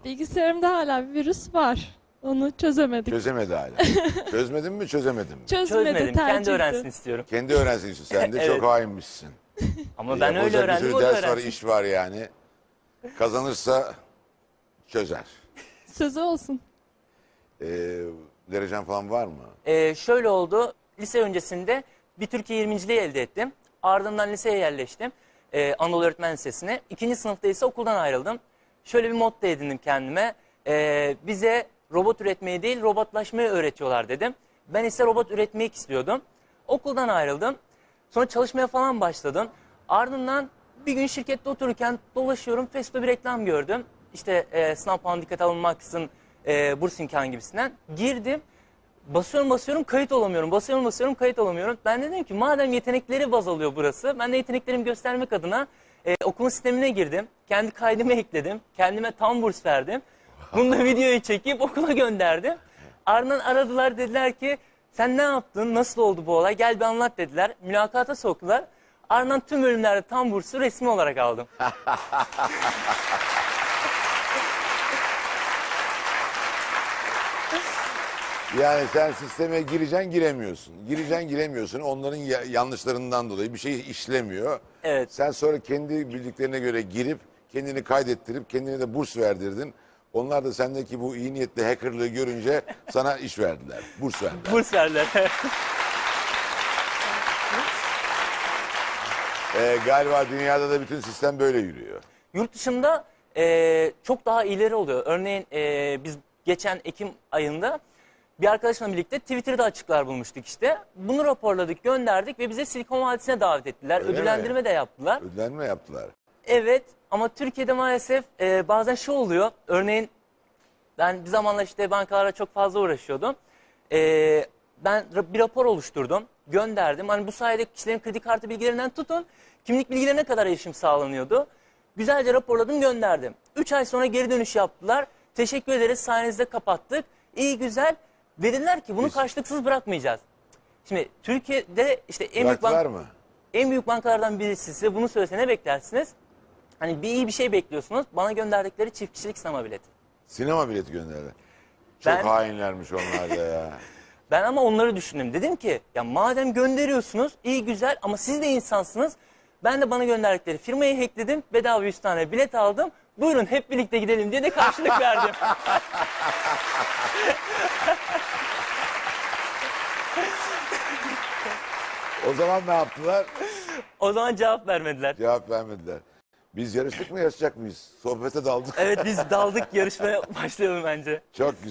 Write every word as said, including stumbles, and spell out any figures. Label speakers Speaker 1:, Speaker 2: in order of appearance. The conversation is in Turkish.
Speaker 1: Bilgisayarımda hala bir virüs var. Onu çözemedik.
Speaker 2: Çözemedi hala. Çözmedin mi çözemedin mi?
Speaker 1: Çözmedi,
Speaker 3: Çözmedim.
Speaker 1: tercih
Speaker 3: Kendi öğrensin
Speaker 1: etti.
Speaker 3: istiyorum.
Speaker 2: Kendi öğrensin istiyorsun. Sen de
Speaker 3: Evet.
Speaker 2: çok hainmişsin.
Speaker 3: Ama ben öyle
Speaker 2: Yapılacak bir
Speaker 3: öğrendim,
Speaker 2: sürü
Speaker 3: o da
Speaker 2: ders var,
Speaker 3: öğrensin.
Speaker 2: iş var yani. Kazanırsa çözer.
Speaker 1: Sözü olsun.
Speaker 2: Ee, derecen falan var mı?
Speaker 3: Ee, şöyle oldu. Lise öncesinde bir Türkiye yirminciliği elde ettim. Ardından liseye yerleştim. Ee, Anadolu Öğretmen Lisesi'ne. İkinci sınıfta ise okuldan ayrıldım. Şöyle bir motto edindim kendime. Ee, bize robot üretmeyi değil, robotlaşmayı öğretiyorlar dedim. Ben ise robot üretmek istiyordum. Okuldan ayrıldım. Sonra çalışmaya falan başladım. Ardından bir gün şirkette otururken dolaşıyorum. Facebook'ta bir reklam gördüm. İşte e, sınav puanı dikkate alınmaksızın e, burs imkanı gibisinden. Girdim. Basıyorum basıyorum kayıt olamıyorum. Basıyorum basıyorum kayıt olamıyorum. Ben de dedim ki madem yetenekleri baz alıyor burası. Ben de yeteneklerimi göstermek adına e, okulun sistemine girdim. Kendi kaydımı ekledim. Kendime tam burs verdim. Bunu da videoyu çekip okula gönderdim. Ardından aradılar, dediler ki sen ne yaptın? Nasıl oldu bu olay? Gel bir anlat dediler. Mülakata soktular. Ardından tüm bölümlerde tam bursu resmi olarak aldım.
Speaker 2: Yani sen sisteme gireceksin giremiyorsun. Gireceksin giremiyorsun. Onların ya- yanlışlarından dolayı bir şey işlemiyor.
Speaker 3: Evet.
Speaker 2: Sen sonra kendi bildiklerine göre girip kendini kaydettirip kendine de burs verdirdin. Onlar da sendeki bu iyi niyetli hackerlığı görünce sana iş verdiler. Burs verdiler.
Speaker 3: Burs verdiler.
Speaker 2: Ee, galiba dünyada da bütün sistem böyle yürüyor.
Speaker 3: Yurt dışında e, çok daha ileri oluyor. Örneğin e, biz geçen Ekim ayında bir arkadaşımla birlikte Twitter'da açıklar bulmuştuk işte. Bunu raporladık, gönderdik ve bize Silikon Vadisi'ne davet ettiler.
Speaker 2: Öyle
Speaker 3: Ödüllendirme
Speaker 2: mi?
Speaker 3: de yaptılar.
Speaker 2: Ödlenme yaptılar.
Speaker 3: Evet, ama Türkiye'de maalesef e, bazen şu oluyor. Örneğin ben bir zamanlar işte bankalara çok fazla uğraşıyordum. E, ben ra- bir rapor oluşturdum, gönderdim. Hani bu sayede kişilerin kredi kartı bilgilerinden tutun, kimlik bilgilerine kadar erişim sağlanıyordu. Güzelce raporladım, gönderdim. Üç ay sonra geri dönüş yaptılar. Teşekkür ederiz, sayenizde kapattık. İyi güzel. Ve dediler ki bunu
Speaker 2: Biz-
Speaker 3: karşılıksız bırakmayacağız. Şimdi Türkiye'de işte en büyük,
Speaker 2: Bıraktılar
Speaker 3: bank,
Speaker 2: mı?
Speaker 3: en büyük bankalardan birisi size bunu söylese ne beklersiniz? Hani bir iyi bir şey bekliyorsunuz. Bana gönderdikleri çift kişilik sinema bileti.
Speaker 2: Sinema bileti gönderdi. Çok
Speaker 3: Ben-
Speaker 2: hainlermiş onlar da ya.
Speaker 3: Ben ama onları düşündüm. Dedim ki ya madem gönderiyorsunuz iyi güzel ama siz de insansınız. Ben de bana gönderdikleri firmayı hackledim. Bedava yüz tane bilet aldım. Buyurun hep birlikte gidelim diye de karşılık verdim.
Speaker 2: O zaman ne yaptılar?
Speaker 3: O zaman cevap vermediler.
Speaker 2: Cevap vermediler. Biz yarıştık mı yarışacak mıyız? Sohbete daldık.
Speaker 3: Evet biz daldık, yarışmaya başlayalım bence.
Speaker 2: Çok güzel.